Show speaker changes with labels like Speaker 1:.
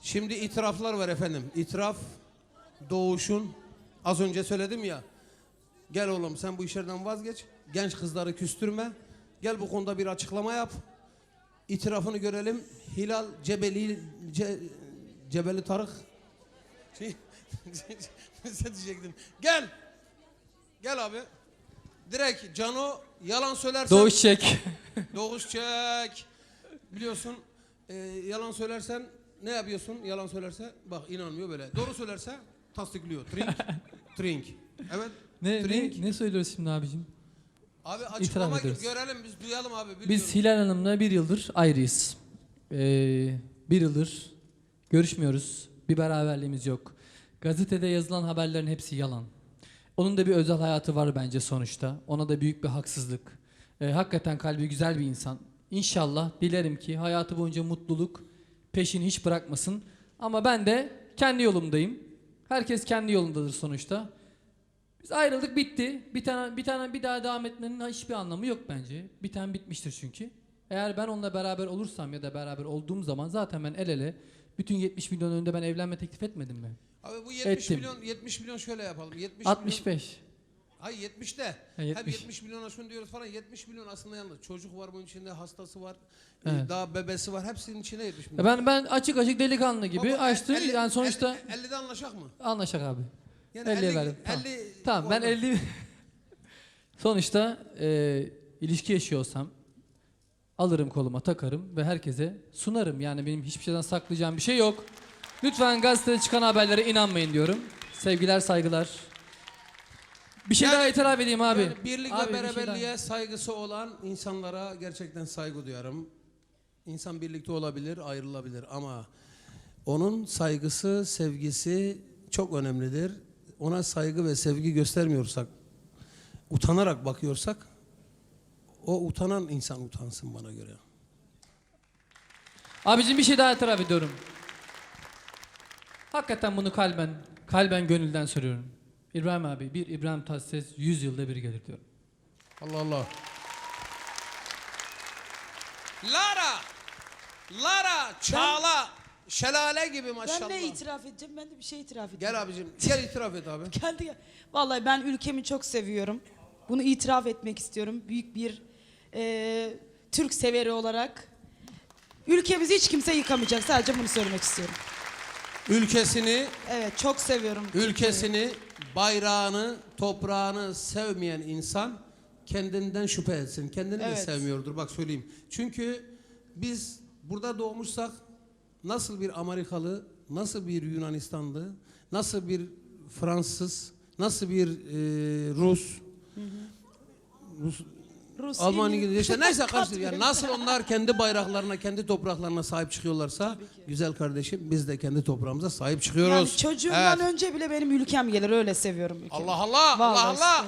Speaker 1: Şimdi itiraflar var efendim. İtiraf doğuşun. Az önce söyledim ya. Gel oğlum sen bu işlerden vazgeç. Genç kızları küstürme. Gel bu konuda bir açıklama yap. İtirafını görelim. Hilal Cebeli Tarık. Sen diyecektin. Gel. Gel abi. Direkt Cano yalan söylersen.
Speaker 2: Doğuş çek.
Speaker 1: Doğuş çek. Biliyorsun yalan söylersen ne yapıyorsun yalan söylerse? Bak inanmıyor böyle. Doğru söylerse tasdikliyor. Trink. Trink. Evet.
Speaker 2: Ne söylüyoruz şimdi abicim?
Speaker 1: Abi açıklama
Speaker 2: ediyoruz.
Speaker 1: görelim biz duyalım abi.
Speaker 2: Biz Hilal Hanım'la 1 yıldır ayrıyız. 1 yıldır görüşmüyoruz. Bir beraberliğimiz yok. Gazetede yazılan haberlerin hepsi yalan. Onun da bir özel hayatı var bence sonuçta. Ona da büyük bir haksızlık. Hakikaten kalbi güzel bir insan. İnşallah dilerim ki hayatı boyunca mutluluk peşini hiç bırakmasın. Ama ben de kendi yolumdayım. Herkes kendi yolundadır sonuçta. Biz ayrıldık bitti. Bir daha devam etmenin hiçbir anlamı yok bence. Bir tane bitmiştir çünkü. Eğer ben onunla beraber olursam ya da beraber olduğum zaman zaten ben el ele bütün 70 milyon önünde ben evlenme teklif etmedim mi?
Speaker 1: Abi bu 70 milyon şöyle yapalım.
Speaker 2: 65.
Speaker 1: Milyon, hayır 70 de. Hep
Speaker 2: 70.
Speaker 1: 70 milyona şunu diyoruz falan. 70 milyon aslında yalnız. Çocuk var bunun içinde, hastası var.
Speaker 2: Evet.
Speaker 1: Daha bebesi var. Hepsinin içine 70 milyon.
Speaker 2: Ben açık delikanlı gibi
Speaker 1: Baba,
Speaker 2: açtım. Yani sonuçta
Speaker 1: 50'de anlaşak mı?
Speaker 2: anlaşak abi.
Speaker 1: Yani
Speaker 2: 50'ye verdim. Tamam.
Speaker 1: 50
Speaker 2: Tamam ben 50 sonuçta ilişki yaşıyorsam alırım koluma takarım ve herkese sunarım. Yani benim hiçbir şeyden saklayacağım bir şey yok. Lütfen gazetede çıkan haberlere inanmayın diyorum. Sevgiler, saygılar. Bir şey daha itiraf edeyim abi.
Speaker 1: Yani birlik
Speaker 2: Abi,
Speaker 1: ve
Speaker 2: bir şey
Speaker 1: beraberliğe saygısı olan insanlara gerçekten saygı duyarım. İnsan birlikte olabilir, ayrılabilir ama onun saygısı, sevgisi çok önemlidir. Ona saygı ve sevgi göstermiyorsak, utanarak bakıyorsak, o utanan insan utansın bana göre.
Speaker 2: Abicim bir şey daha itiraf ediyorum. Hakikaten bunu kalben gönülden söylüyorum. İbrahim abi, bir İbrahim Tatlıses 100 yılda bir gelir diyorum.
Speaker 1: Allah Allah. Lara, Çağla, Şelale gibi maşallah.
Speaker 3: Ben ne itiraf edeceğim? Ben de bir şey itiraf edeceğim.
Speaker 1: Gel abicim, gel itiraf et abi.
Speaker 3: Gel. Vallahi ben ülkemi çok seviyorum. Bunu itiraf etmek istiyorum. Büyük bir Türk severi olarak. Ülkemizi hiç kimse yıkamayacak. Sadece bunu söylemek istiyorum.
Speaker 1: Ülkesini,
Speaker 3: Evet, çok seviyorum.
Speaker 1: ülkesini, bayrağını, toprağını sevmeyen insan kendinden şüphe etsin. Kendini de
Speaker 3: Evet.
Speaker 1: sevmiyordur. Bak söyleyeyim. Çünkü biz burada doğmuşsak nasıl bir Amerikalı, nasıl bir Yunanistanlı, nasıl bir Fransız, nasıl bir Rus,
Speaker 3: Rus,
Speaker 1: Alman,
Speaker 3: İngiliz.
Speaker 1: İngiliz işte neyse karıştır. Yani nasıl onlar kendi bayraklarına, kendi topraklarına sahip çıkıyorlarsa güzel kardeşim biz de kendi toprağımıza sahip çıkıyoruz.
Speaker 3: Yani çocuğumdan
Speaker 1: Evet.
Speaker 3: önce bile benim ülkem gelir. Öyle seviyorum ülkemi.
Speaker 1: Allah Allah, Allah
Speaker 3: Vallahi
Speaker 1: Allah.